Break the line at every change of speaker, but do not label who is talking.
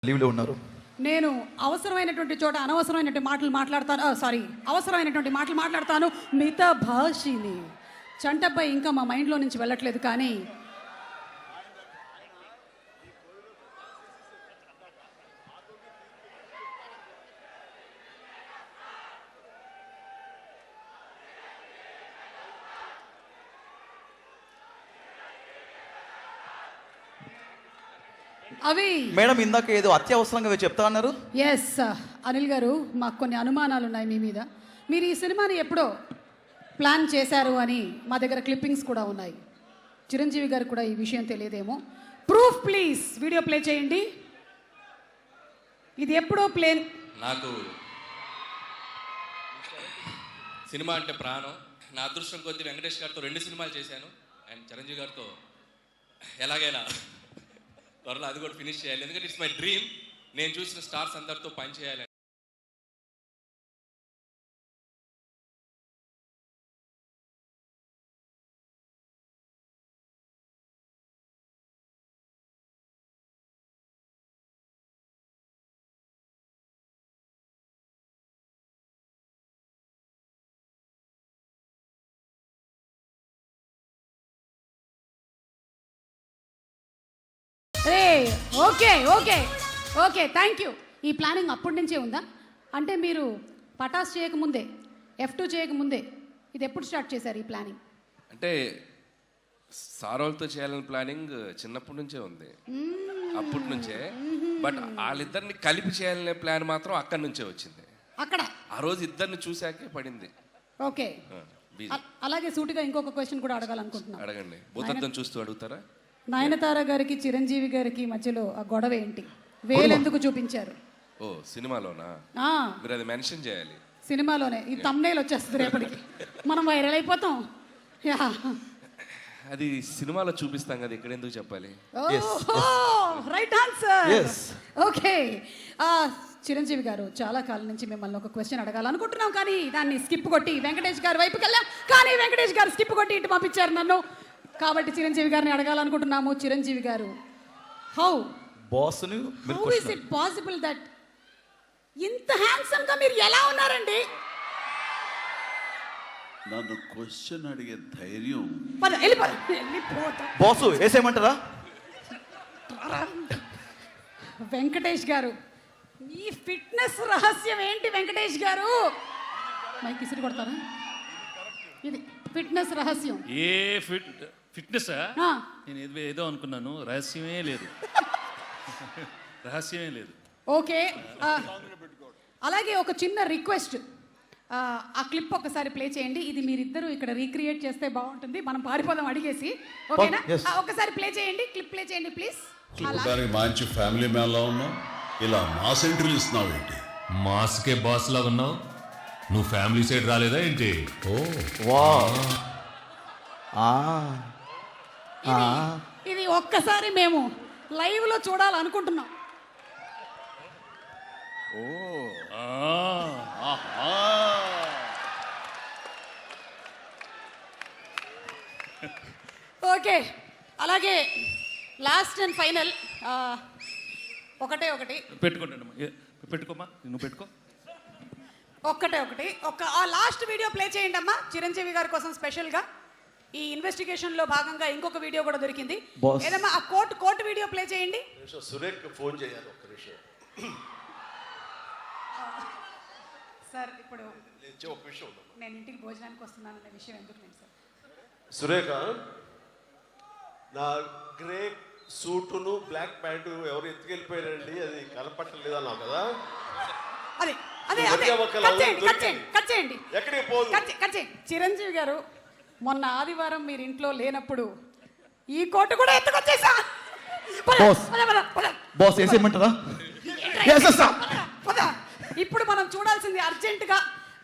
లీవ్లో ఉన్నారు.
నేను అవసరమైనటువంటి చోట అనవసరమైనటువంటి మాటలు మాట్లాడతాను. అవసరమైనటువంటి మాటలు మాట్లాడతాను. మిగతా భాషని చంటపై ఇంకా మా మైండ్లో నుంచి వెళ్ళట్లేదు. కానీ అవి
మేడం ఇందాక ఏదో అత్యవసరంగా చెప్తా అన్నారు.
ఎస్ అనిల్ గారు, మాకు కొన్ని అనుమానాలు ఉన్నాయి మీ మీద. మీరు ఈ సినిమాని ఎప్పుడో ప్లాన్ చేశారు అని మా దగ్గర క్లిప్పింగ్స్ కూడా ఉన్నాయి. చిరంజీవి గారు కూడా ఈ విషయం తెలియదేమో. ప్రూఫ్ ప్లీజ్, వీడియో ప్లే చేయండి. ఇది ఎప్పుడో ప్లేన్.
నాకు సినిమా అంటే ప్రాణం. నా అదృష్టం కొద్ది వెంకటేష్ గారితో 2 సినిమాలు చేశాను. అండ్ చిరంజీవి గారితో ఎలాగైనా త్వరలో అది కూడా ఫినిష్ చేయాలి. ఎందుకంటే ఇట్స్ మై డ్రీమ్. నేను చూసిన స్టార్స్ అందరితో పని చేయాలి.
Okay okay okay, thank you. ఈ ప్లానింగ్ అప్పటి నుంచే ఉందా? అంటే మీరు పటాస్ చేయకముందే, F2 చేయకముందే ఇది ఎప్పుడు స్టార్ట్ చేశారు ఈ ప్లానింగ్?
అంటే సారోల్తో చేయాలని ప్లానింగ్ చిన్నప్పటి నుంచే ఉంది, అప్పటి నుంచే. బట్ వాళ్ళిద్దరిని కలిపి చేయాలనే ప్లాన్ మాత్రం అక్కడి నుంచే వచ్చింది.
అక్కడ
ఆ రోజు ఇద్దరిని చూశాకే పడింది.
ఓకే, అలాగే సూటిగా ఇంకొక క్వశ్చన్ కూడా అడగాలనుకుంటున్నాను.
అడగండి. భూతద్దం చూస్తూ అడుగుతారా?
నయనతార గారికి చిరంజీవి గారికి మధ్యలో ఆ గొడవ ఏంటి? వేలెందుకు చూపించారు?
ఓ సినిమాలోనా? మీరు అది మెన్షన్ చేయాలి.
సినిమాలోనే. ఈ థంబ్నెయిల్ వచ్చేస్తుంది రేపటికి, మనం వైరల్ అయిపోతాం.
అది సినిమాలో చూపిస్తాం కదా, ఇక్కడ ఎందుకు చెప్పాలి?
Right answer. ఓకే, చిరంజీవి గారు, చాలా కాలం నుంచి మిమ్మల్ని ఒక క్వశ్చన్ అడగాలనుకుంటున్నాం, కానీ దాన్ని స్కిప్ కొట్టి వెంకటేష్ గారి వైపుకి వెళ్ళాం. కానీ వెంకటేష్ గారు స్కిప్ కొట్టి ఇటు పంపించారు నన్ను. కాబట్టి చిరంజీవి గారిని అడగాలనుకుంటున్నాము. Chiranjeevi garu, how is it possible that ఇంత హ్యాండ్సమ్ గా మీరు ఎలా ఉన్నారండి?
నన్ను క్వశ్చన్ అడిగే ధైర్యం
బాసు వేసేయమంటారా?
వెంకటేష్ గారు, మీ ఫిట్నెస్ రహస్యం ఏంటి వెంకటేష్ గారు? మైక్ ఇసిరి కొడతారా? ఇది ఫిట్నెస్ రహస్యం.
ఫిట్నెస్ నేను ఏదో అనుకున్నాను. రహస్యమే లేదు. రహస్యమే లేదు.
ఓకే, అలాగే ఒక చిన్న రిక్వెస్ట్, ఆ క్లిప్ ఒకసారి ప్లే చేయండి. ఇది మీరిద్దరూ ఇక్కడ రీక్రియేట్ చేస్తే బాగుంటుంది. మనం పారిపోదాం అడిగేసి. ఓకేనా? ఒకసారి ప్లే చేయండి, క్లిప్ ప్లే చేయండి ప్లీజ్.
మంచి ఫ్యామిలీ మ్యాన్ లా ఉన్నావు, ఇలా మాస్ ఎంట్రీలు ఇస్తున్నావు ఏంటి?
మాస్కే బాస్ లా ఉన్నావు. నువ్వు ఫ్యామిలీ సైడ్ రాలేదా ఏంటి?
ఇది ఒక్కసారి మేము లైవ్ లో చూడాలనుకుంటున్నాం. ఓకే, అలాగే లాస్ట్ అండ్ ఫైనల్ ఒకటి
పెట్టుకోమా, నువ్వు పెట్టుకో.
ఒకటి ఆ లాస్ట్ వీడియో ప్లే చేయండి అమ్మా, చిరంజీవి గారి కోసం స్పెషల్గా. ఈ ఇన్వెస్టిగేషన్ లో భాగంగా ఇంకొక వీడియో కూడా దొరికింది. ఏదమ్మా ఆ కోర్టు వీడియో ప్లే చేయండి.
సురేఖ్ ఫోన్ చేయాలి ఒక్క నిమిషం.
సార్, ఇప్పుడు నేను ఇంటికి భోజనానికి వస్తున్నానన్న విషయం ఎందుకు లేదు సార్?
సురేఖ, నా గ్రే సూటును బ్లాక్ ప్యాంటు ఎవరు ఎత్తుకెళ్ళిపోయారండి, అది కనపట్టలేదు అన్నావు కదా?
అదే
ఎక్కడికి పోదు.
చిరంజీవి గారు, మొన్న ఆదివారం మీరు ఇంట్లో లేనప్పుడు ఈ కోటు కూడా ఎత్తుకొచ్చేసా.
బాస్ వేసేయమంటారా?
ఇప్పుడు మనం చూడాల్సింది అర్జెంటుగా